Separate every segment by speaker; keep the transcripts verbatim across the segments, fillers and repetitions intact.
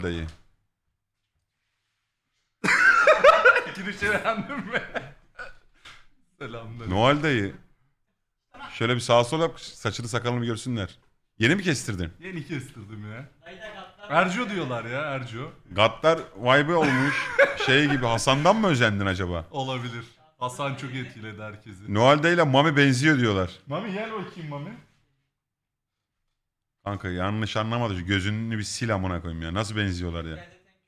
Speaker 1: dayı.
Speaker 2: Girişe beğendin mi? Selamlar.
Speaker 1: Noel dayı. Şöyle bir sağa sola yap, saçını sakalını görsünler. Yeni mi kestirdin?
Speaker 2: Yeni kestirdim ya. Erco diyorlar ya Erco.
Speaker 1: Gattar vibe olmuş. Şey gibi, Hasan'dan mı özendin acaba?
Speaker 2: Olabilir. Hasan çok etkiledi herkesi.
Speaker 1: Noel dayı ile Mami benziyor diyorlar.
Speaker 2: Mami gel bakayım Mami.
Speaker 1: Kanka yanlış anlamadı. Şu gözünü bir sil amına koyayım ya. Nasıl benziyorlar ya?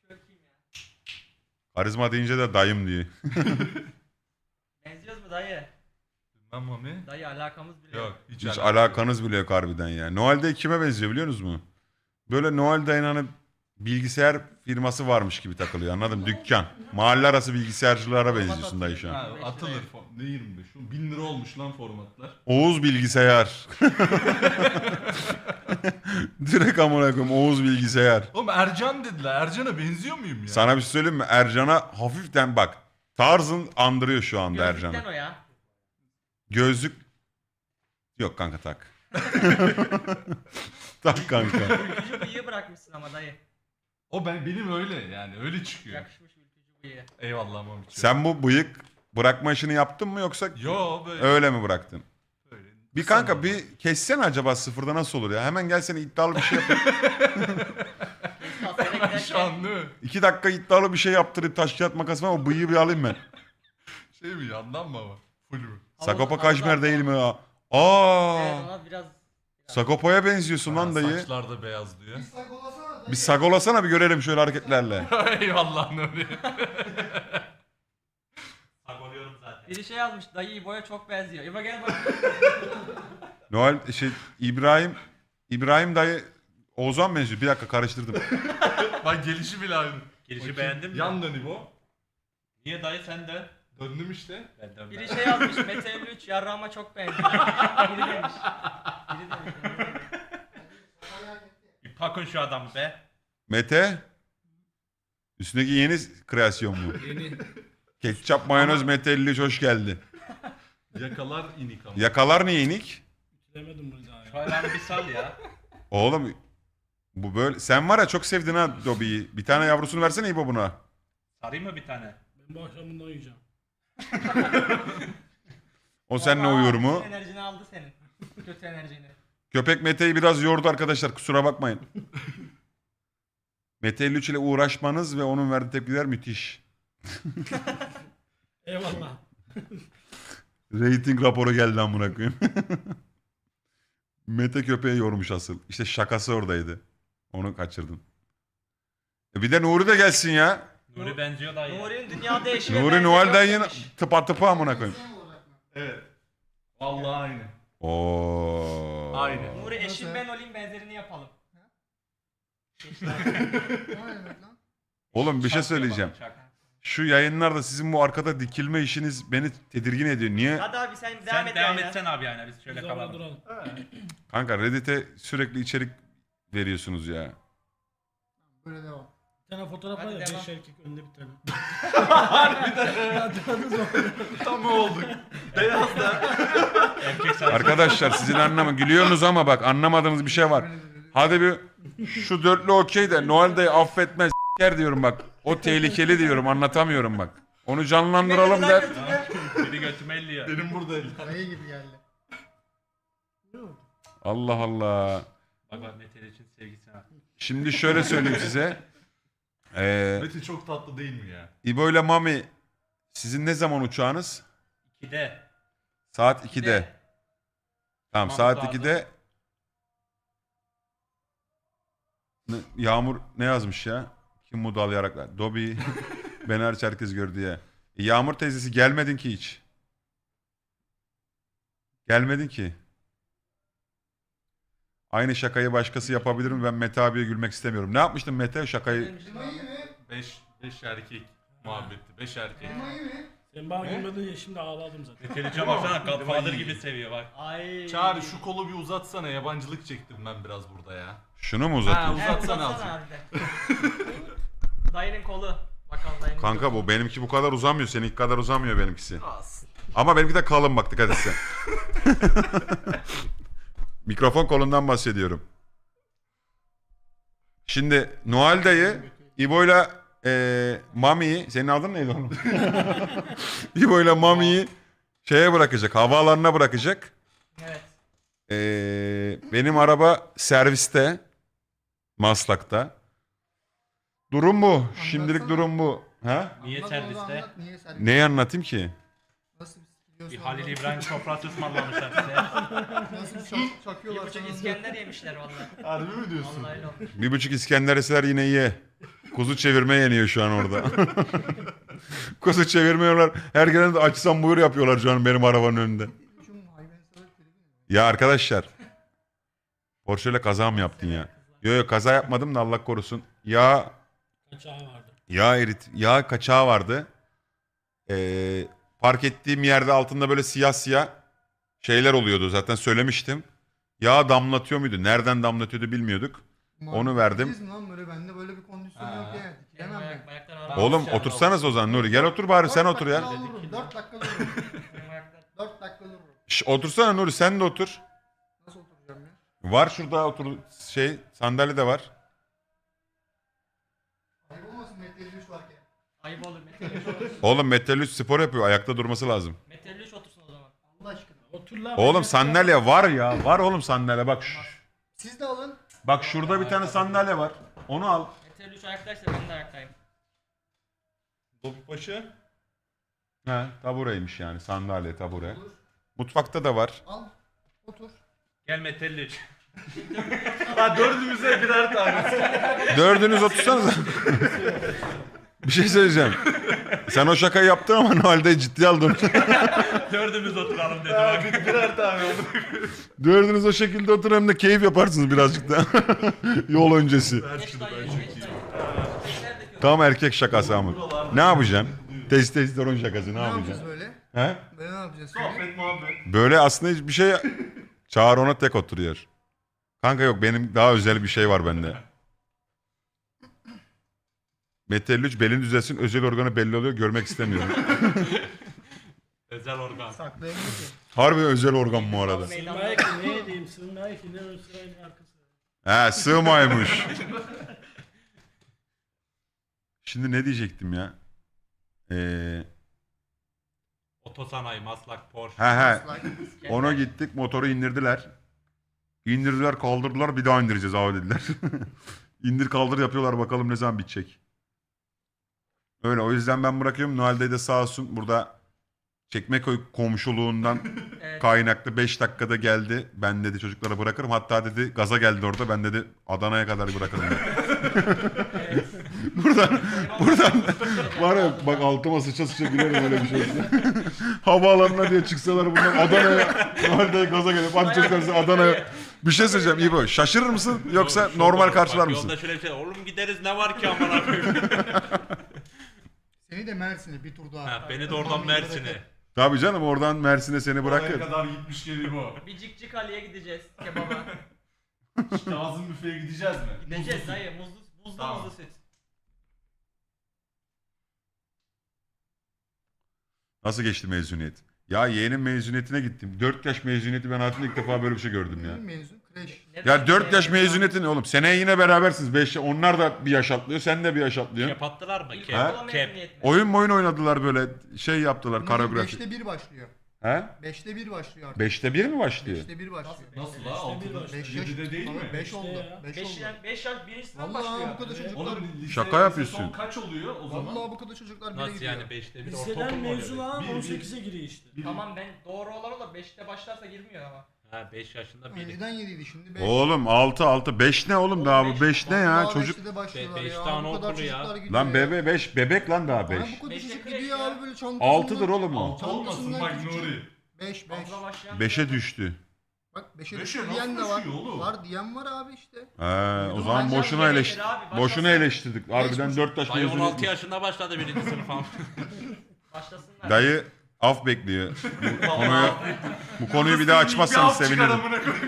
Speaker 1: Karizma deyince de dayım diyor.
Speaker 3: Benziyoruz mu dayı?
Speaker 2: Bilmem Mami.
Speaker 3: Dayı alakamız bile
Speaker 2: Yok hiç,
Speaker 1: Hiç
Speaker 2: alakası
Speaker 1: alakanız bile yok harbiden ya. Noel dayı kime benziyor biliyor musunuz mu? Böyle Noel dayının hani bilgisayar firması varmış gibi takılıyor, anladın mı? Dükkan. Mahalle arası bilgisayarcılara benziyorsun dayı şu an.
Speaker 2: Ha, atılır. fo- Ne yirmi beş? bin lira olmuş lan formatlar.
Speaker 1: Oğuz bilgisayar. Direkt amına koyayım Oğuz bilgisayar.
Speaker 2: Oğlum Ercan dediler. Ercan'a benziyor muyum ya?
Speaker 1: Sana bir şey söyleyeyim mi? Ercan'a hafiften bak. Tarzın andırıyor şu anda
Speaker 3: Gözlükten
Speaker 1: Ercan'ı.
Speaker 3: o ya.
Speaker 1: Gözlük... Yok kanka tak. Tak kanka.
Speaker 3: Ülkücü bıyığı bırakmışsın ama dayı.
Speaker 2: O ben benim öyle yani öyle çıkıyor.
Speaker 3: Yakışmış ülkücü bıyığı.
Speaker 2: Eyvallah Mami.
Speaker 1: Sen bu bıyık bırakma işini yaptın mı yoksa
Speaker 2: Yo böyle.
Speaker 1: öyle mi bıraktın?
Speaker 2: böyle.
Speaker 1: Bir kanka bir kessene acaba sıfırda nasıl olur ya? Hemen gelsene iddialı bir şey yap.
Speaker 3: Biz kafede
Speaker 2: Şu an
Speaker 3: giderken
Speaker 2: değil mi?
Speaker 1: İki dakika iddialı bir şey yaptırıp taş kağıt makas var, o bıyığı bir alayım ben.
Speaker 2: Şey mi yandan mı ama? Full mü?
Speaker 1: Sagopa
Speaker 3: Havuz-
Speaker 1: Kajmer
Speaker 3: havuz-
Speaker 1: değil mi ya?
Speaker 3: evet,
Speaker 1: Aa!
Speaker 3: ona biraz...
Speaker 1: Sagopa'ya benziyorsun lan
Speaker 2: Ha,
Speaker 1: dayı.
Speaker 2: Saçlar da beyaz diyor.
Speaker 1: Bir sagolasana bir görelim şöyle hareketlerle.
Speaker 2: Eyvallah Nuri.
Speaker 3: Biri şey yazmış, dayı İbo'ya çok benziyor. İbo gel bak.
Speaker 1: Noel şey İbrahim İbrahim dayı Oğuzhan benziyor. Bir dakika karıştırdım.
Speaker 2: Bak gelişi bile aynı.
Speaker 4: Girişi
Speaker 2: Bakayım.
Speaker 4: beğendin mi?
Speaker 2: Yan dön İbo.
Speaker 4: Niye dayı sen de?
Speaker 2: Döndüm işte.
Speaker 4: Ben de
Speaker 3: Biri şey yazmış, Mete elli üç yarrağıma çok benziyor. Biri demiş. Biri demiş. biri demiş.
Speaker 4: Bir pakın şu adamı be.
Speaker 1: Mete üstündeki yeni kreasyon mu?
Speaker 2: Yeni.
Speaker 1: Ketçap mayonez Mete elli üç hoş geldi.
Speaker 2: Yakalar inik ama.
Speaker 1: Yakalar niye inik?
Speaker 5: Demedim bunu daha ya.
Speaker 4: Şu ayağını bir sal ya.
Speaker 1: Oğlum bu böyle sen var ya çok sevdin ha Dobby'yi. Bir tane yavrusunu versene İbo buna.
Speaker 4: Sarayım mı bir tane?
Speaker 5: Ben bu akşam bundan uyuyacağım.
Speaker 1: O seninle
Speaker 3: Aa,
Speaker 1: uyur mu?
Speaker 3: bütün enerjini aldı senin. Kötü enerjini.
Speaker 1: Köpek Mete'yi biraz yordu arkadaşlar, kusura bakmayın. Mete elli üç ile uğraşmanız ve onun verdiği tepkiler müthiş.
Speaker 5: Eyvallah.
Speaker 1: Rating raporu geldi amına koyayım. Mete köpeği yormuş asıl. İşte şakası oradaydı. Onu kaçırdın. E bir de Nuri de gelsin ya.
Speaker 4: Nuri benziyor dayı.
Speaker 3: Nuri'nin dünyada eşi ve
Speaker 1: Nuri
Speaker 3: benzeri
Speaker 1: Noel
Speaker 3: yok
Speaker 1: dayının
Speaker 3: demiş.
Speaker 1: tıpa tıpa amına koyayım.
Speaker 2: Evet. Vallahi aynı.
Speaker 1: Oo.
Speaker 2: Aynı.
Speaker 3: Nuri eşim ben olayım benzerini yapalım.
Speaker 1: Oğlum bir şey
Speaker 4: Çak
Speaker 1: söyleyeceğim.
Speaker 4: yapalım, çak.
Speaker 1: Şu yayınlarda sizin bu arkada dikilme işiniz beni tedirgin ediyor. Niye?
Speaker 3: Hadi abi sen devam
Speaker 4: Sen
Speaker 3: et
Speaker 4: devam
Speaker 3: yayına.
Speaker 4: etsen abi yani biz şöyle
Speaker 5: Biz orada
Speaker 4: kalalım.
Speaker 5: duralım.
Speaker 1: Kanka Reddit'e sürekli içerik veriyorsunuz ya.
Speaker 6: Böyle devam.
Speaker 5: Bir tane fotoğraf
Speaker 3: Hadi
Speaker 5: var ya.
Speaker 3: devam.
Speaker 5: Beş erkek önünde bir tane.
Speaker 2: Tam olduk. Beyaz da.
Speaker 4: Erkek sarısı.
Speaker 1: Arkadaşlar sizin anlama gülüyorsunuz ama bak anlamadığınız bir şey var. Hadi bir şu dörtlü okey de Noel dayı affetmez s**ker diyorum bak. O tehlikeli diyorum, anlatamıyorum bak. Onu canlandıralım der.
Speaker 4: Biri götüme elliyor.
Speaker 2: Benim burada
Speaker 6: Dayı gibi geldi.
Speaker 1: Allah Allah.
Speaker 4: Bak bak Mete için sevgisine bak.
Speaker 1: Şimdi şöyle söyleyeyim size. Ee,
Speaker 2: Mete çok tatlı değil mi ya?
Speaker 1: İbo ile Mami sizin ne zaman uçağınız?
Speaker 4: İkide.
Speaker 1: Saat ikide. Tamam
Speaker 4: Tamam,
Speaker 1: saat
Speaker 4: saat
Speaker 1: ikide. Ne- Yağmur ne yazmış ya? Kim bu dal yaraklar? Dobby beni hariç herkes gördü ya. E, Yağmur teyzesi gelmedin ki hiç. Gelmedin ki. Aynı şakayı başkası yapabilir mi? Ben Mete abiye gülmek istemiyorum. Ne yapmıştın Mete şakayı?
Speaker 6: Klimayı mı?
Speaker 2: Beş, beş erkek muhabbeti. Beş erkek.
Speaker 6: Klimayı mı?
Speaker 5: Sen bana gülmedin ya şimdi ağladım zaten.
Speaker 4: Mete için baksana Godfather gibi seviyor bak.
Speaker 3: Ay.
Speaker 2: Çağrı şu kolu bir uzatsana. Yabancılık çektim ben biraz burada ya.
Speaker 1: Şunu mu
Speaker 2: Ha,
Speaker 1: uzatıyorsun?
Speaker 3: Evet,
Speaker 2: uzatsana
Speaker 3: uzatsana
Speaker 2: azıcık.
Speaker 3: harbiden. Dayının kolu. Bakalım dayının
Speaker 1: Kanka
Speaker 3: kolu.
Speaker 1: bu benimki bu kadar uzamıyor. Seninki kadar uzamıyor benimkisi.
Speaker 2: Az.
Speaker 1: Ama benimki de kalın bak, dikkat et sen. Mikrofon kolundan bahsediyorum. Şimdi Noel dayı İbo'yla e, Mami'yi, senin adın neydi oğlum? İbo'yla Mami'yi şeye bırakacak, havaalanına bırakacak.
Speaker 3: Evet.
Speaker 1: E, benim araba serviste, Maslak'ta. Durum bu. Şimdilik
Speaker 6: Anlatsana.
Speaker 1: durum bu. Ha?
Speaker 4: Niye
Speaker 6: Anlat onu,
Speaker 4: serviste?
Speaker 6: anlat, Niye serviste?
Speaker 1: Neyi anlatayım ki?
Speaker 6: Nasıl
Speaker 4: Bir
Speaker 6: biliyorsun
Speaker 4: Halil
Speaker 6: anlat.
Speaker 4: İbrahim sofrası ısmarlamışlar size.
Speaker 6: Nasıl çak, çakıyorlar
Speaker 3: Bir buçuk
Speaker 6: sana.
Speaker 3: İskender yemişler vallahi.
Speaker 2: Harbi mi diyorsun?
Speaker 3: Vallahi öyle olmuş.
Speaker 1: Bir buçuk İskender eser yine ye. Kuzu çevirme yeniyor şu an orada. Kuzu çevirmiyorlar. Her gelen de açsam buyur yapıyorlar şu an benim arabanın önünde.
Speaker 6: Şu hayvansever tribi mi?
Speaker 1: Ya arkadaşlar. Porsche ile kaza mı yaptın ya? Yo yo kaza yapmadım da Allah korusun. Ya
Speaker 5: Kaçağı vardı.
Speaker 1: yağ erit, yağ kaçağı vardı. Ee, park ettiğim yerde altında böyle siyah siyah şeyler oluyordu. Zaten söylemiştim. Yağ damlatıyor muydu? Nereden damlatıyordu bilmiyorduk. Onu verdim.
Speaker 6: Siz mi lan böyle bende böyle bir kondisyon
Speaker 2: Ha.
Speaker 6: yok yani.
Speaker 3: Benim
Speaker 6: Dikilemem
Speaker 3: ayak,
Speaker 6: ben.
Speaker 3: ayaklar ağrıyor.
Speaker 1: Oğlum
Speaker 4: Tamam,
Speaker 1: otursanız o zaman Nuri. Gel otur bari sen otur ya.
Speaker 6: dört dakika dururum.
Speaker 3: Benim ayaklar.
Speaker 6: dört dakika dururum.
Speaker 1: Şş, otursana Nuri sen de otur.
Speaker 6: Nasıl oturacağım ya?
Speaker 1: Var şurada otur şey sandalye de var.
Speaker 6: Ayıp olmasın Mete elli üç varken.
Speaker 3: Ayıp olur. Metal üç otursun.
Speaker 1: Oğlum Metal üç spor yapıyor. Ayakta durması lazım.
Speaker 3: Metal üç otursun o zaman.
Speaker 6: Allah aşkına.
Speaker 5: Otur lan.
Speaker 1: Oğlum
Speaker 5: Mehmet
Speaker 1: sandalye var ya. Var oğlum sandalye bak. Şu-
Speaker 6: Siz de alın.
Speaker 1: Bak şurada bir tane sandalye var. Onu al.
Speaker 3: Metal üç ayaktaysa ben de ayaktayım.
Speaker 2: Topbaşı.
Speaker 1: He tabureymiş yani sandalye tabure.
Speaker 6: Olur.
Speaker 1: Mutfakta da var.
Speaker 6: Al. Otur.
Speaker 4: Gel metelliç.
Speaker 2: Ha dördümüze birer tane.
Speaker 1: Dördünüz otursanız. Bir şey söyleyeceğim. Sen o şakayı yaptın ama Noel'de ciddi aldın.
Speaker 4: Dördümüz oturalım dedi bak.
Speaker 2: birer tane oldu.
Speaker 1: Dördünüz o şekilde oturun hem de keyif yaparsınız birazcık da. Yol öncesi.
Speaker 3: Geç dayı, geç dayı. Erkeklerdeki o.
Speaker 1: Tam erkek şakası ama. Ne yapacaksın? Testosteron şakası ne
Speaker 6: Ne
Speaker 1: yapacaksın?
Speaker 6: yapacağız böyle?
Speaker 1: He?
Speaker 6: Böyle ne yapacağız şimdi?
Speaker 2: Sohbet muhabbet.
Speaker 1: Böyle aslında hiçbir şey... Çağır ona tek oturuyor. Kanka yok benim daha özel bir şey var bende. Metal üç belin düzelsin özel organı belli oluyor görmek istemiyorum.
Speaker 4: Özel organ.
Speaker 6: Saklayamıyor ki.
Speaker 1: Harbi özel organ bu arada.
Speaker 5: Sığınmaya ki ne diyeyim sığınmaya ki ne ön sırayın arkası.
Speaker 1: He sığmaymış. Şimdi ne diyecektim ya? Ee,
Speaker 4: Otosanayi, Maslak, Porsche.
Speaker 1: he he.
Speaker 6: Like.
Speaker 1: Ona gittik motoru indirdiler. İndirdiler kaldırdılar bir daha indireceğiz abi dediler. İndir kaldır yapıyorlar bakalım ne zaman bitecek. Öyle o yüzden ben bırakıyorum. Noel'de de sağ olsun burada Çekmeköy komşuluğundan
Speaker 3: Evet.
Speaker 1: kaynaklı beş dakikada geldi. Ben dedi çocuklara bırakırım. Hatta dedi gaza geldi orada. Ben dedi Adana'ya kadar bırakırım. dedi. buradan buradan var ya bak altıma sıça sıça gülerim öyle bir şey olsa. Havaalanına diye çıksalar bundan Adana'ya Noel'de gaza gelip hadi çocuklar size Adana'ya. Bir şey söyleyeceğim İbo. Şaşırır mısın yoksa
Speaker 4: Yok,
Speaker 1: normal
Speaker 4: bak,
Speaker 1: karşılar
Speaker 4: bak,
Speaker 1: mısın?
Speaker 4: Yolda şöyle bir şey. Oğlum gideriz ne var ki amına koyayım.
Speaker 6: Seni de Mersin'e bir tur daha.
Speaker 4: Ha, beni de oradan Mersin'e.
Speaker 1: Tabii canım oradan Mersin'e seni
Speaker 2: Buraya
Speaker 1: bırakır.
Speaker 2: kadar gitmiş geliyor bu.
Speaker 3: Bir Cikcik Ali'ye gideceğiz kebaba.
Speaker 2: Kazım büfeye gideceğiz mi?
Speaker 3: Gideceğiz dayı muzlu, buzlu
Speaker 2: Tamam.
Speaker 3: muzlu süt.
Speaker 1: Nasıl geçti mezuniyet? Ya yeğenin mezuniyetine gittim. dört yaş mezuniyeti ben hayatımda ilk defa böyle bir şey gördüm ya.
Speaker 6: Mezun. Kreş.
Speaker 3: Neden
Speaker 1: Ya dört yaş
Speaker 3: ya?
Speaker 1: mezuniyeti ne oğlum? Seneye yine berabersiniz. beş onlar da bir yaş atlıyor. Sen de bir yaş atlıyorsun.
Speaker 4: Kep attılar mı? Kep.
Speaker 3: İlkokula
Speaker 4: Kep.
Speaker 3: mezuniyet mi?
Speaker 1: Oyun oyun oynadılar böyle. Şey yaptılar
Speaker 6: Bunların
Speaker 1: koreografi.
Speaker 6: beşte bir başlıyor.
Speaker 1: He?
Speaker 6: beşte bir başlıyor artık.
Speaker 1: beşte bir mi başlıyor?
Speaker 6: beşte bir başlıyor.
Speaker 2: Nasıl
Speaker 5: Beşte
Speaker 2: la?
Speaker 5: bir
Speaker 2: Altıda.
Speaker 5: başlıyor.
Speaker 6: beş yaş.
Speaker 2: Yedide değil mi?
Speaker 6: beş oldu.
Speaker 5: ya.
Speaker 6: beş
Speaker 3: beş
Speaker 6: oldu.
Speaker 3: yaş, beş yaş birinci sınıf
Speaker 6: Vallahi
Speaker 3: başlıyor.
Speaker 6: bu kadar çocuklar.
Speaker 2: Oğlum lise,
Speaker 1: Şaka
Speaker 2: lise
Speaker 1: yapıyorsun.
Speaker 2: son kaç oluyor o zaman?
Speaker 6: Vallahi bu kadar çocuklar bile
Speaker 4: Nasıl
Speaker 6: gidiyor.
Speaker 4: yani beşte bir
Speaker 5: Liseden
Speaker 4: ortaokul mu
Speaker 5: mezun
Speaker 4: oluyor?
Speaker 5: olan
Speaker 2: Bir- bir-
Speaker 5: on sekize giriyor işte.
Speaker 2: Bir-
Speaker 3: Tamam ben doğru olan o da beşte başlarsa girmiyor ama.
Speaker 4: Ha beş yaşında biri.
Speaker 6: Önceden yediydi şimdi beş.
Speaker 1: Oğlum altı altı beş ne oğlum,
Speaker 3: Oğlum
Speaker 1: daha
Speaker 3: beş-
Speaker 1: bu beş ne ya
Speaker 6: Vallahi
Speaker 1: çocuk.
Speaker 6: beşte de başlıyorlar
Speaker 4: Be- beş
Speaker 6: ya.
Speaker 4: tane
Speaker 6: Bu kadar
Speaker 4: okulu ya.
Speaker 6: çocuklar gidiyor
Speaker 1: Lan
Speaker 6: ya.
Speaker 1: bebe beş bebek lan daha
Speaker 6: Bana
Speaker 1: beş.
Speaker 6: bu kadar
Speaker 3: Beşte
Speaker 6: çocuk
Speaker 3: kreş
Speaker 6: gidiyor
Speaker 3: ya.
Speaker 6: abi böyle çantasından.
Speaker 1: altıdır oğlum o.
Speaker 2: Altı olmasın bak Nuri.
Speaker 6: beş beş.
Speaker 3: Fazla başlayan.
Speaker 1: beşe düştü.
Speaker 6: Bak beşe
Speaker 2: Beşe
Speaker 6: düştü
Speaker 2: nasıl
Speaker 6: diyen de var.
Speaker 2: düşüyor oğlum?
Speaker 6: Var diyen var abi işte.
Speaker 1: He, o
Speaker 3: Dur,
Speaker 1: zaman
Speaker 3: başlasın
Speaker 1: boşuna
Speaker 3: demektir
Speaker 1: eleştirdik.
Speaker 3: abi, başlasın.
Speaker 1: Boşuna eleştirdik. Harbiden
Speaker 6: Beş
Speaker 1: dört yaş
Speaker 4: Dayı on altı
Speaker 1: mezuniyet.
Speaker 4: yaşında başladı birinci sınıf falan.
Speaker 3: Başlasınlar.
Speaker 1: Dayı af bekliyor. Bu konuyu, bu konuyu bir daha açmazsanız sevinirim.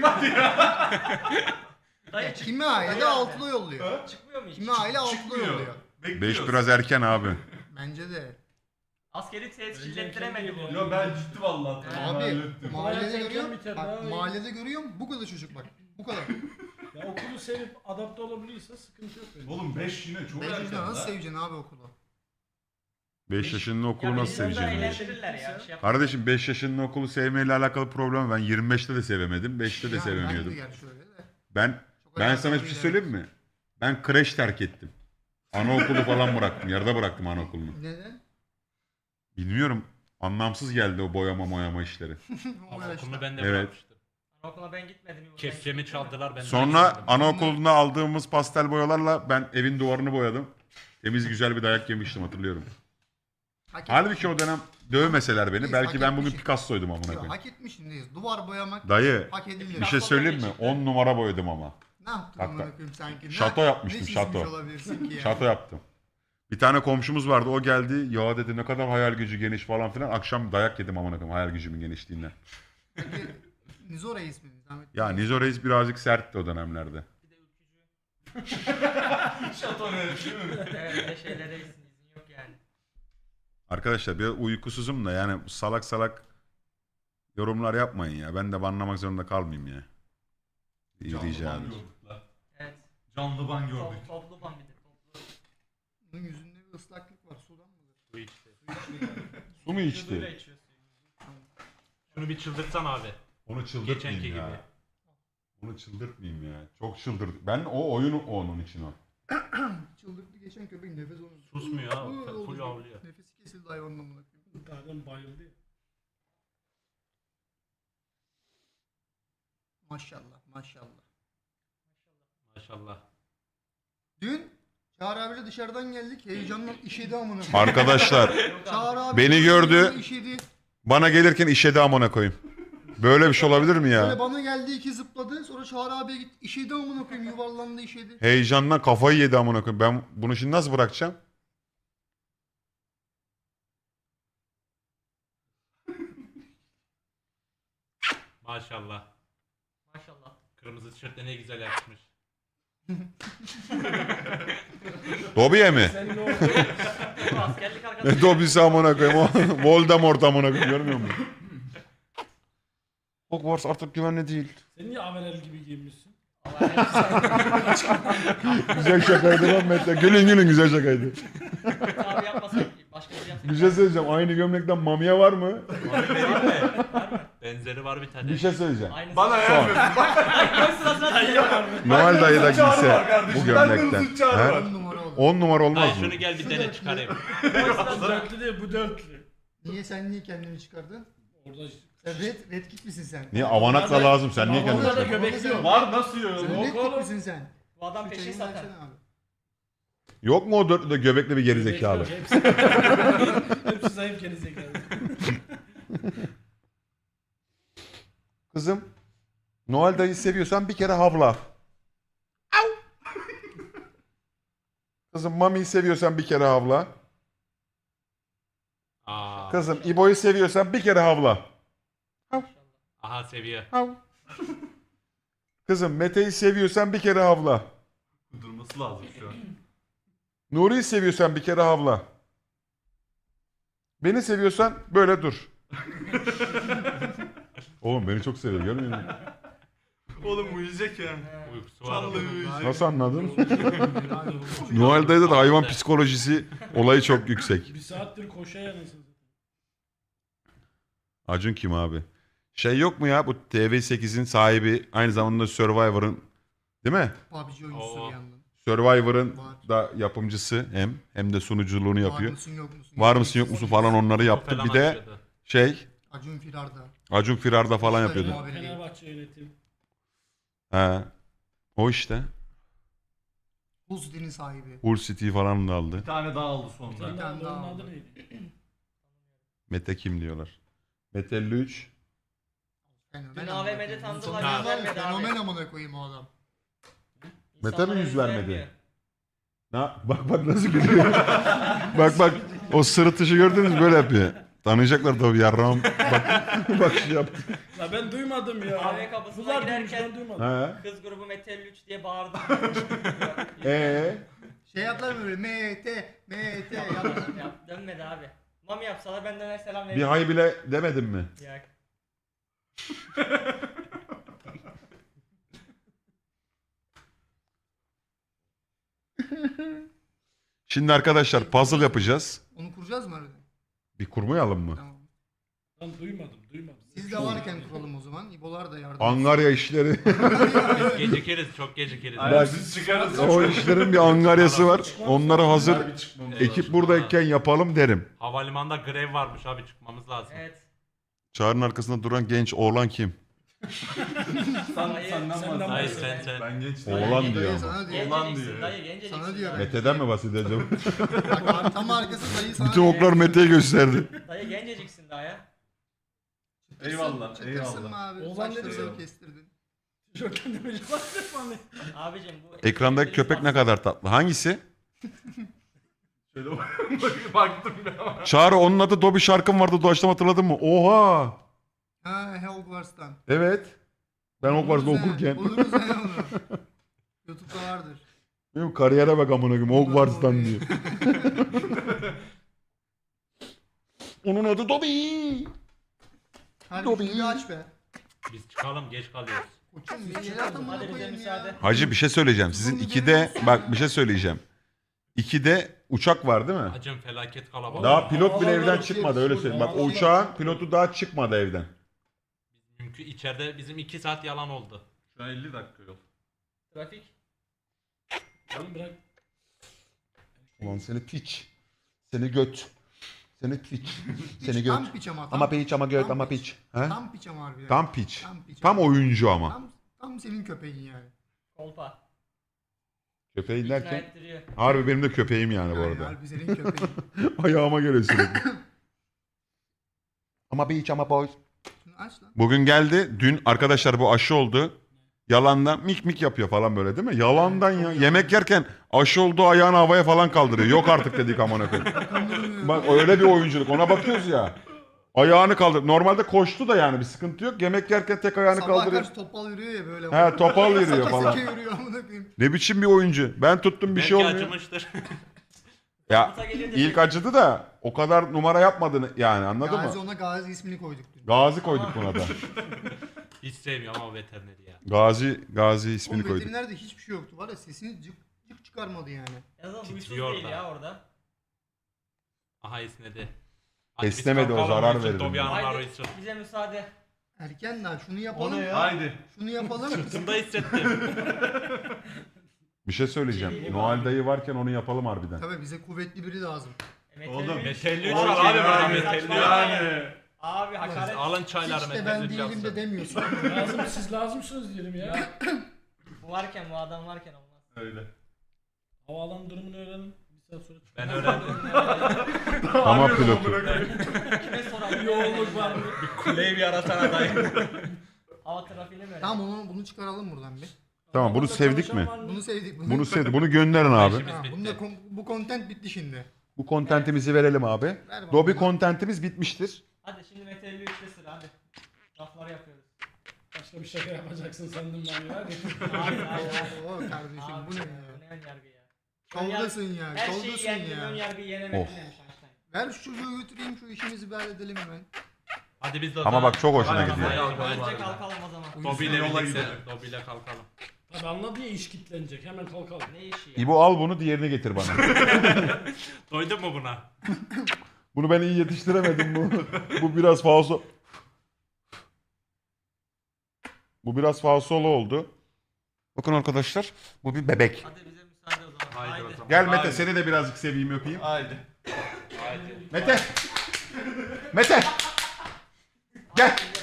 Speaker 3: Dayı çık
Speaker 6: Kimi aile de altıda yolluyor.
Speaker 3: çıkmıyor mu hiç?
Speaker 6: Kimi aile altıda
Speaker 2: Çıkmıyor.
Speaker 6: yolluyor.
Speaker 1: beş biraz erken abi.
Speaker 6: Bence de.
Speaker 3: Askeri tesis
Speaker 5: Önce
Speaker 3: illettiremedi bu.
Speaker 5: kendi
Speaker 2: Yo ben ciddi vallahi. tamam,
Speaker 6: Abi
Speaker 2: hallettim.
Speaker 6: mahallede
Speaker 5: Erken
Speaker 6: görüyorum.
Speaker 5: biter,
Speaker 6: Bak
Speaker 5: daha iyi.
Speaker 6: mahallede görüyorum bu kadar çocuk bak. Bu kadar.
Speaker 5: Ya okulu sevip adapte olabiliyorsa sıkıntı yok benim.
Speaker 2: Oğlum beş yine çok
Speaker 6: beş
Speaker 2: erken
Speaker 6: yaşında nasıl
Speaker 2: lan.
Speaker 6: seveceksin abi okulu?
Speaker 1: beş yaşının okulu nasıl seveceksin? ya?
Speaker 3: Eğlendirirler ya. Şey
Speaker 1: Kardeşim beş yaşının okulu sevmeyle alakalı problem. Ben yirmi beşte de sevemedim. beşte de
Speaker 6: Yani
Speaker 1: sevemiyordum.
Speaker 6: ben de gerçi öyle de.
Speaker 1: Ben
Speaker 6: Çok
Speaker 1: ben
Speaker 6: alakalı
Speaker 1: sana bir şey
Speaker 6: değil,
Speaker 1: söyleyeyim mi? Ben kreş terk ettim. Anaokulu falan bıraktım. Yarıda bıraktım anaokulunu.
Speaker 6: Neden?
Speaker 1: Bilmiyorum. Anlamsız geldi o boyama moyama işleri.
Speaker 6: O yaşta.
Speaker 7: Okulunu ben de
Speaker 1: Evet.
Speaker 7: bırakmıştım.
Speaker 3: Anaokuluna ben gitmedim. İbo, sen
Speaker 7: Kefkemi
Speaker 3: gittin mi?
Speaker 7: çaldılar ben de
Speaker 1: Sonra
Speaker 7: gitmedim.
Speaker 1: anaokulunda aldığımız pastel boyalarla ben evin duvarını boyadım. Temiz güzel bir dayak yemiştim hatırlıyorum.
Speaker 6: Hak
Speaker 1: Halbuki o dönem dövmeseler beni
Speaker 6: Biz
Speaker 1: belki
Speaker 6: hak
Speaker 1: ben bugün
Speaker 6: etmişiz.
Speaker 1: Picasso'ydum amına
Speaker 6: Yok,
Speaker 1: koyayım.
Speaker 6: hak etmişsindeyiz. Duvar boyamak
Speaker 1: Dayı
Speaker 6: hak edilir.
Speaker 1: bir şey söyleyeyim mi? on numara boyadım ama.
Speaker 6: Ne yaptın
Speaker 1: Bak,
Speaker 6: amına
Speaker 1: bak.
Speaker 6: koyayım sanki? Ne-
Speaker 1: Şato yapmıştım,
Speaker 6: ne çizmiş
Speaker 1: şato.
Speaker 6: olabilirsin ki ya?
Speaker 1: Şato yaptım. Bir tane komşumuz vardı o geldi ya dedi ne kadar hayal gücü geniş falan filan. Akşam dayak yedim amına koyayım hayal gücümün genişliğinden.
Speaker 6: Peki Nizo Reis mi? Zahmet
Speaker 1: Ya Nizo Reis birazcık sertti o dönemlerde.
Speaker 3: Bir de ülkücü.
Speaker 2: Şato ne değil mi?
Speaker 3: Evet öyle şeylere izin izin yok yani.
Speaker 1: Arkadaşlar bir uykusuzum da yani salak salak yorumlar yapmayın ya. Ben de banlamak zorunda kalmayayım ya. İyi
Speaker 2: Canlı
Speaker 1: rica
Speaker 2: ban
Speaker 1: ederim.
Speaker 2: gördük lan.
Speaker 3: Evet.
Speaker 2: Canlı ban gördük.
Speaker 3: Top, toplu ban bir de toplu.
Speaker 6: Bunun yüzünde bir ıslaklık var. Sudan mıdır?
Speaker 7: Bu işte.
Speaker 1: Su mu içti?
Speaker 3: Vücuduyla içiyor suyu.
Speaker 7: Şunu bir çıldırtsan abi.
Speaker 1: Onu
Speaker 7: Geçenki
Speaker 1: çıldırtmayayım
Speaker 7: gibi.
Speaker 1: ya. Onu çıldırtmayayım ya. Çok çıldırt. Ben o oyunu onun için o.
Speaker 6: Çıldırdı geçen köpek nefes onu.
Speaker 7: Susmuyor ha,
Speaker 6: Iı,
Speaker 7: full
Speaker 6: oldu.
Speaker 7: havlıyor.
Speaker 6: Nefesi kesildi hayvanın amına koyayım.
Speaker 5: Zaten bayıldı ya.
Speaker 6: Maşallah maşallah.
Speaker 7: Maşallah.
Speaker 6: Dün Çağrı abiyle dışarıdan geldik. Heyecanla işedi amına koyayım.
Speaker 1: Arkadaşlar
Speaker 6: Çağrı abi
Speaker 1: Beni gördü.
Speaker 6: işedi.
Speaker 1: bana gelirken işedi amına koyayım. Böyle bir şey olabilir mi
Speaker 6: Böyle
Speaker 1: ya?
Speaker 6: bana geldi iki zıpladı. Sonra Çağrı abiye gitti. İşedi amına koyayım yuvarlandı işedi.
Speaker 1: Heyecandan kafayı yedi amına koyayım. Ben bunu şimdi nasıl bırakacağım?
Speaker 7: Maşallah.
Speaker 3: Maşallah.
Speaker 7: Kırmızı tişörtte ne güzel yakışmış.
Speaker 1: Dobiye mi?
Speaker 5: Sen ne oldu?
Speaker 3: Bu askerlik arkadaşı.
Speaker 1: Ne Dobisi amına koyayım? O Voldemort amına koyayım. Görmüyor musun? Hogwarts artık güvenli değil.
Speaker 5: Sen niye Averel gibi giyinmişsin?
Speaker 1: Güzel şakaydı lan Mete. Gülün gülün güzel şakaydı.
Speaker 3: Abi yapmasak başka bir şey yapsak.
Speaker 1: Bir şey söyleyeceğim. Aynı gömlekten mamiye var mı?
Speaker 7: Benzeri var bir tane.
Speaker 1: Bir şey söyleyeceğim.
Speaker 3: Aynısı.
Speaker 2: Bana
Speaker 1: Son.
Speaker 2: yapmıyorsun.
Speaker 1: Noel dayı da
Speaker 2: Hızlı çağrı
Speaker 1: giyse
Speaker 2: var kardeşim.
Speaker 1: bu
Speaker 2: Ben de
Speaker 1: gömlekten.
Speaker 2: hızlı çağrı
Speaker 1: He?
Speaker 2: var.
Speaker 6: On numara oldu.
Speaker 1: on numara
Speaker 7: Hayır
Speaker 1: olmaz mı?
Speaker 7: şunu gel bir dene çıkarayım.
Speaker 5: Bu dörtlü değil bu dörtlü.
Speaker 6: Niye sen niye kendini çıkardın?
Speaker 5: Orada
Speaker 6: Sen red, red kit misin sen?
Speaker 1: Niye avanakla lazım? Sen niye kendini
Speaker 5: Orada da
Speaker 1: çıkardın?
Speaker 5: göbekli yok.
Speaker 2: Var nasıl yiyor?
Speaker 6: Sen
Speaker 5: Yok
Speaker 6: red kit
Speaker 5: oğlum.
Speaker 6: misin sen?
Speaker 3: Bu adam
Speaker 6: Şu
Speaker 3: peşin
Speaker 6: çayını
Speaker 3: zaten.
Speaker 6: versene abi.
Speaker 1: Yok mu o dörtlüde göbekli bir gerizekalı?
Speaker 5: Hepsi, hepsi zayıf gerizekalı.
Speaker 1: Kızım, Noel dayı seviyorsan bir kere havla. Au! Kızım Mami'yi seviyorsan bir kere havla.
Speaker 7: Aa.
Speaker 1: Kızım İbo'yu seviyorsan bir kere havla.
Speaker 7: Aha seviyor.
Speaker 1: Hav. Kızım Mete'yi seviyorsan bir kere havla.
Speaker 2: Durması lazım şu an.
Speaker 1: Nuri'yi seviyorsan bir kere havla. Beni seviyorsan böyle dur. Oğlum beni çok seviyor görmüyor musun?
Speaker 2: Oğlum uyuyacak ya.
Speaker 7: Uykusu var.
Speaker 2: Vallahi uyuyacak.
Speaker 1: Nasıl anladın? Noel dayıda da hayvan psikolojisi olayı çok yüksek.
Speaker 5: Bir saattir koşa yanısın.
Speaker 1: Acun kim abi? Şey yok mu ya bu T V sekizin sahibi aynı zamanda Survivor'ın değil mi?
Speaker 6: P U B G oyuncusu
Speaker 7: Oo.
Speaker 6: bir yandan.
Speaker 1: Survivor'ın
Speaker 6: Var.
Speaker 1: da yapımcısı hem hem de sunuculuğunu
Speaker 6: Var
Speaker 1: yapıyor.
Speaker 6: mısın yok musun?
Speaker 1: Var mısın yok musun falan onları yaptı.
Speaker 7: Falan
Speaker 1: Bir de
Speaker 7: açıyordu.
Speaker 1: şey
Speaker 6: Acun Firar'da.
Speaker 1: Acun Firar'da falan
Speaker 6: İşte
Speaker 1: yapıyordu.
Speaker 6: muhabirliği.
Speaker 5: Fenerbahçe yönetim.
Speaker 1: He. O işte.
Speaker 6: Hull City'nin sahibi.
Speaker 1: Hull City falan da aldı.
Speaker 2: Bir tane daha aldı
Speaker 5: Bir
Speaker 2: sonra.
Speaker 5: tane daha
Speaker 6: tane daha
Speaker 5: onun
Speaker 6: aldı.
Speaker 5: adı neydi?
Speaker 1: Mete kim diyorlar. Mete elli üç.
Speaker 6: Fenomen
Speaker 3: Dün
Speaker 6: amına
Speaker 3: A V M'de
Speaker 6: koyayım.
Speaker 3: tanıdılar,
Speaker 6: Fenomen-
Speaker 3: yüz vermedi abi.
Speaker 6: Fenomen amına koyayım o adam.
Speaker 1: Mete mi
Speaker 3: İnsanlara
Speaker 1: yüz vermedi?
Speaker 3: vermiyor.
Speaker 1: Na, bak bak nasıl gülüyor. bak bak o sırıtışı gördünüz mü? Böyle yapıyor. Tanıyacaklar tabii yarrağım. Bak bak şey yaptı.
Speaker 5: La ben duymadım ya.
Speaker 3: A V kapısına
Speaker 5: Bunlar
Speaker 3: girerken-
Speaker 5: duymuş ben duymadım.
Speaker 1: He.
Speaker 3: Kız grubu Metal üç diye bağırdı.
Speaker 1: Ee?
Speaker 6: Şey yaptılar mı böyle M T M T yaptılar.
Speaker 3: Yap, dönmedi abi. Mami yapsalar ben döner selam
Speaker 1: Bir
Speaker 3: veririm.
Speaker 1: hay bile demedim mi?
Speaker 3: Yak.
Speaker 1: Şimdi arkadaşlar puzzle yapacağız.
Speaker 6: Onu kuracağız mı arada?
Speaker 1: Bir kurmayalım mı?
Speaker 6: Tamam.
Speaker 5: Lan duymadım duymadım.
Speaker 6: Siz de varken kuralım o zaman. İbolar da yardım.
Speaker 1: Angarya işleri.
Speaker 7: Biz gecikiriz, çok gecikiriz.
Speaker 2: Aynen, biz çıkarız.
Speaker 1: O işlerin bir angaryası var. Onları hazır
Speaker 2: Harbi çıkmamız
Speaker 1: ekip
Speaker 2: lazım.
Speaker 1: buradayken yapalım derim.
Speaker 7: Havalimanında grev varmış abi, çıkmamız lazım.
Speaker 3: Evet.
Speaker 1: Çağrı'nın arkasında duran genç oğlan kim?
Speaker 2: Sen,
Speaker 3: Dayı,
Speaker 2: senden
Speaker 5: senden
Speaker 2: bahsediyorum.
Speaker 7: Dayı sen sen.
Speaker 2: Ben genç
Speaker 1: Oğlan
Speaker 2: değilim.
Speaker 1: diyor
Speaker 6: Dayı
Speaker 1: ama.
Speaker 6: sana diyor.
Speaker 2: Olan
Speaker 3: Genceceksin
Speaker 2: diyor.
Speaker 3: dayı genceceksin.
Speaker 6: Sana diyor.
Speaker 3: dayı.
Speaker 1: Mete'den mi bahsedeceğim?
Speaker 6: Bak tam arkası dayı sana
Speaker 1: Bütün
Speaker 6: diyor.
Speaker 1: oklar Mete'ye gösterdi.
Speaker 3: Dayı genceciksin daha ya.
Speaker 2: Eyvallah,
Speaker 6: Çıtırsın mı
Speaker 2: eyvallah.
Speaker 6: abi?
Speaker 5: Oğlan
Speaker 6: Saçları
Speaker 5: dedi
Speaker 6: sen
Speaker 2: ya.
Speaker 6: kestirdin.
Speaker 5: Tişörtten de böyle bahsetmem.
Speaker 3: Abicim bu...
Speaker 1: Ekrandaki köpek ne kadar tatlı. Hangisi?
Speaker 2: Şöyle baktım ya ama.
Speaker 1: Çağrı onun adı Dobby şarkım vardı doğaçlama hatırladın mı? Oha!
Speaker 6: Ha Hogwarts'tan.
Speaker 1: Evet. Ben Hogwarts'ta
Speaker 6: Buluruz he,
Speaker 1: okurken.
Speaker 6: Buluruz he onu. YouTube'da vardır.
Speaker 1: Benim kariyere bak amına koyayım Hogwarts'tan diyor. Onun adı Dobby.
Speaker 6: Hadi
Speaker 1: Dobby.
Speaker 6: bir aç be.
Speaker 7: Biz çıkalım, geç kalıyoruz.
Speaker 6: Koçum bir yere atın
Speaker 3: Hadi
Speaker 6: bunu
Speaker 3: bize
Speaker 6: koyayım
Speaker 3: müsaade.
Speaker 6: ya.
Speaker 1: Hacı bir şey söyleyeceğim. Sizin ikide bak bir şey söyleyeceğim. İkide uçak var değil mi?
Speaker 7: Acım felaket kalabalık.
Speaker 1: Daha pilot bile
Speaker 5: Havalar
Speaker 1: evden
Speaker 5: uçuyor,
Speaker 1: çıkmadı öyle söyleyeyim. Bak o uçağın pilotu daha çıkmadı evden.
Speaker 7: Mümkün içeride bizim iki saat yalan oldu.
Speaker 2: Şu an elli dakika yol.
Speaker 3: Trafik.
Speaker 5: Oğlum bırak.
Speaker 1: Ulan seni piç. Seni göt. Seni piç. Seni göt.
Speaker 6: Tam piç ama. Tam,
Speaker 1: Ama piç ama göt
Speaker 6: tam
Speaker 1: ama
Speaker 6: piç.
Speaker 1: piç. He?
Speaker 6: Tam piç ama harbiden.
Speaker 1: Tam piç.
Speaker 6: Tam piç.
Speaker 1: Tam oyuncu ama.
Speaker 6: Tam, tam senin köpeğin yani.
Speaker 3: Kolpa.
Speaker 1: Köpeğin
Speaker 3: İkna
Speaker 1: derken
Speaker 3: ettiriyor.
Speaker 1: harbi benim de köpeğim yani bu
Speaker 6: Yani
Speaker 1: arada.
Speaker 6: harbi senin köpeğin.
Speaker 1: Ayağıma göre sürekli. Ama beach ama boys.
Speaker 6: Şunu aç lan.
Speaker 1: Bugün geldi. Dün arkadaşlar bu aşı oldu. Yalandan mik mik yapıyor falan böyle değil mi? Yalandan ya. Yemek yerken aşı olduğu ayağını havaya falan kaldırıyor. Yok artık dedik amına koyayım. Bak öyle bir oyunculuk. Ona bakıyoruz ya. Ayağını kaldır. Normalde koştu da yani bir sıkıntı yok. Yemek yerken tek ayağını
Speaker 6: Sabah
Speaker 1: kaldırıyor.
Speaker 6: karşı topal yürüyor ya böyle.
Speaker 1: He topal yürüyor
Speaker 6: Seke
Speaker 1: falan.
Speaker 6: seke yürüyor amına koyayım.
Speaker 1: Ne biçim bir oyuncu. Ben tuttum bir
Speaker 7: Belki
Speaker 1: şey olmuyor.
Speaker 7: acımıştır.
Speaker 1: Ya
Speaker 3: Komuta gelince
Speaker 1: ilk acıdı da o kadar numara yapmadığını yani anladın
Speaker 6: Gazi
Speaker 1: mı?
Speaker 6: ona Gazi ismini koyduk dün.
Speaker 1: Gazi koyduk buna da.
Speaker 7: Hiç sevmiyorum ama veterineri ya.
Speaker 1: Gazi Gazi ismini
Speaker 6: Oğlum
Speaker 1: koyduk.
Speaker 6: veterinerde hiçbir şey yoktu var ya sesini cık cık çıkarmadı yani.
Speaker 3: En azından huysuz
Speaker 7: Titriyor
Speaker 3: değil
Speaker 7: da.
Speaker 3: ya orada.
Speaker 7: Aha esnedi. Hadi biz
Speaker 1: Esnemedi, o
Speaker 7: kalkalım,
Speaker 1: zarar
Speaker 7: uyusun,
Speaker 1: verir
Speaker 7: Dobby
Speaker 1: mi?
Speaker 7: Hanımlar
Speaker 3: Haydi
Speaker 7: uyusun.
Speaker 3: bize müsaade.
Speaker 6: Erken daha şunu yapalım.
Speaker 2: Haydi.
Speaker 6: Şunu yapalım.
Speaker 7: Sırtımda hissettim.
Speaker 1: Bir şey söyleyeceğim. Noel dayı varken onu yapalım harbiden.
Speaker 6: Tabii bize kuvvetli biri lazım.
Speaker 3: Metal
Speaker 2: Oğlum,
Speaker 3: üç.
Speaker 7: Metelli üç
Speaker 3: Abi,
Speaker 7: var abi
Speaker 3: abi,
Speaker 7: böyle
Speaker 3: saçma
Speaker 7: metelli.
Speaker 2: Yani.
Speaker 3: Abi hakaret.
Speaker 7: Alın çayları
Speaker 6: Hiç de ben
Speaker 7: metelli
Speaker 6: değilim de
Speaker 7: çalsın.
Speaker 6: demiyorsun.
Speaker 5: Lazım siz lazımsınız diyelim ya.
Speaker 3: Bu varken bu adam varken olmaz.
Speaker 2: Öyle.
Speaker 5: Havaalanı durumunu öğrenin. Bir saat sonra çıkın.
Speaker 7: Ben öğrendim.
Speaker 1: Ama pilotu.
Speaker 3: Kime soralım?
Speaker 5: Yoğunluk var mı?
Speaker 7: Kuleyi bir yaratan adayım.
Speaker 3: Hava trafiğini mi?
Speaker 6: Tamam onu bunu çıkaralım buradan bir.
Speaker 1: Tamam bunu
Speaker 5: Havada
Speaker 1: sevdik
Speaker 5: çalışan
Speaker 1: mi?
Speaker 5: var mı?
Speaker 6: Bunu sevdik. Bunu,
Speaker 1: Bunu sevdik. Bunu gönderin abi.
Speaker 7: İşimiz
Speaker 6: Ha,
Speaker 7: bitti.
Speaker 6: bunda kon- bu content bitti şimdi.
Speaker 1: Bu kontentimizi verelim abi.
Speaker 6: Ver bana
Speaker 1: Dobby
Speaker 6: bunu.
Speaker 1: kontentimiz bitmiştir.
Speaker 3: Hadi şimdi Metal üçte sıra hadi. Lafları yapıyoruz.
Speaker 5: Başka bir şaka yapacaksın sandım ben ya.
Speaker 3: Hadi hadi hadi.
Speaker 6: Oo kardeşim
Speaker 3: Abi
Speaker 6: bu ne
Speaker 3: ya,
Speaker 6: ya?
Speaker 3: bu ne ön yargı ya?
Speaker 6: Şovdasın ya.
Speaker 3: Her şeyi
Speaker 6: Şovdasın
Speaker 3: yendim ön
Speaker 6: ya.
Speaker 3: yargıyı yenemedim
Speaker 1: Of.
Speaker 3: demiş Einstein.
Speaker 6: Ver şu çocuğu götüreyim şu işimizi bir halledelim hemen.
Speaker 7: Hadi biz de o
Speaker 1: Ama
Speaker 7: zaman-
Speaker 1: bak çok hoşuna
Speaker 7: Hadi
Speaker 1: gidiyor.
Speaker 7: kalkalım,
Speaker 3: Önce
Speaker 7: hadi.
Speaker 3: kalkalım o zaman.
Speaker 7: Dobby ile
Speaker 2: Yola
Speaker 7: birlikte.
Speaker 2: gidelim.
Speaker 7: Dobby ile kalkalım.
Speaker 5: Tabii anladı ya iş kitlenecek. Hemen kalkalım.
Speaker 3: Ne işi ya?
Speaker 1: İbo al bunu diğerini getir bana.
Speaker 7: Doydun mu buna?
Speaker 1: Bunu ben iyi yetiştiremedim bu. Bu biraz falso. Bu biraz falsolu oldu. Bakın arkadaşlar bu bir bebek.
Speaker 3: Hadi bize müsaade o zaman.
Speaker 7: Haydi
Speaker 3: Haydi.
Speaker 7: o zaman.
Speaker 1: Gel Mete
Speaker 2: Haydi.
Speaker 1: seni de birazcık seveyim öpeyim.
Speaker 2: Haydi.
Speaker 7: Haydi.
Speaker 1: Mete. Mete. Gel.